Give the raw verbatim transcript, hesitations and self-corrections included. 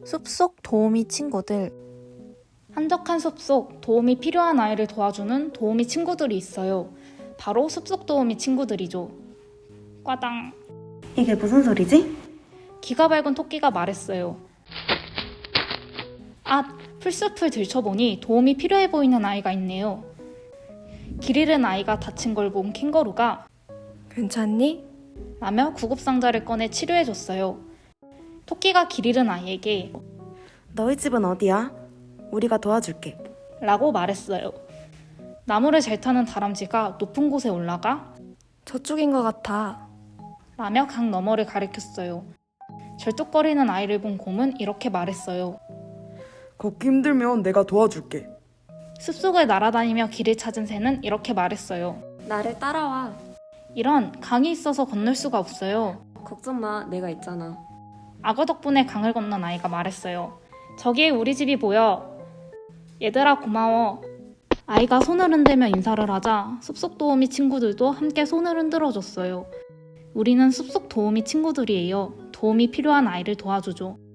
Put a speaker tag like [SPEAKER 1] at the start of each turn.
[SPEAKER 1] 숲속 도우미 친구들.
[SPEAKER 2] 한적한 숲속 도움이 필요한 아이를 도와주는 도우미 친구들이 있어요. 바로 숲속 도우미 친구들이죠. 꽈당.
[SPEAKER 3] 이게 무슨 소리지?
[SPEAKER 2] 기가 밝은 토끼가 말했어요. 아, 풀숲을 들춰보니 도움이 필요해 보이는 아이가 있네요. 길 잃은 아이가 다친 걸 본 캥거루가
[SPEAKER 1] 괜찮니?
[SPEAKER 2] 라며 구급상자를 꺼내 치료해줬어요. 토끼가 길 잃은 아이에게
[SPEAKER 3] 너희 집은 어디야? 우리가 도와줄게.
[SPEAKER 2] 라고 말했어요. 나무를 잘 타는 다람쥐가 높은 곳에 올라가
[SPEAKER 1] 저쪽인 것 같아.
[SPEAKER 2] 라며 강 너머를 가리켰어요. 절뚝거리는 아이를 본 곰은 이렇게 말했어요.
[SPEAKER 4] 걷기 힘들면 내가 도와줄게.
[SPEAKER 2] 숲속을 날아다니며 길을 찾은 새는 이렇게 말했어요.
[SPEAKER 5] 나를 따라와.
[SPEAKER 2] 이런, 강이 있어서 건널 수가 없어요.
[SPEAKER 5] 걱정 마, 내가 있잖아.
[SPEAKER 2] 악어 덕분에 강을 건넌 아이가 말했어요. 저기에 우리 집이 보여. 얘들아 고마워. 아이가 손을 흔들며 인사를 하자 숲속 도우미 친구들도 함께 손을 흔들어줬어요. 우리는 숲속 도우미 친구들이에요. 도움이 필요한 아이를 도와주죠.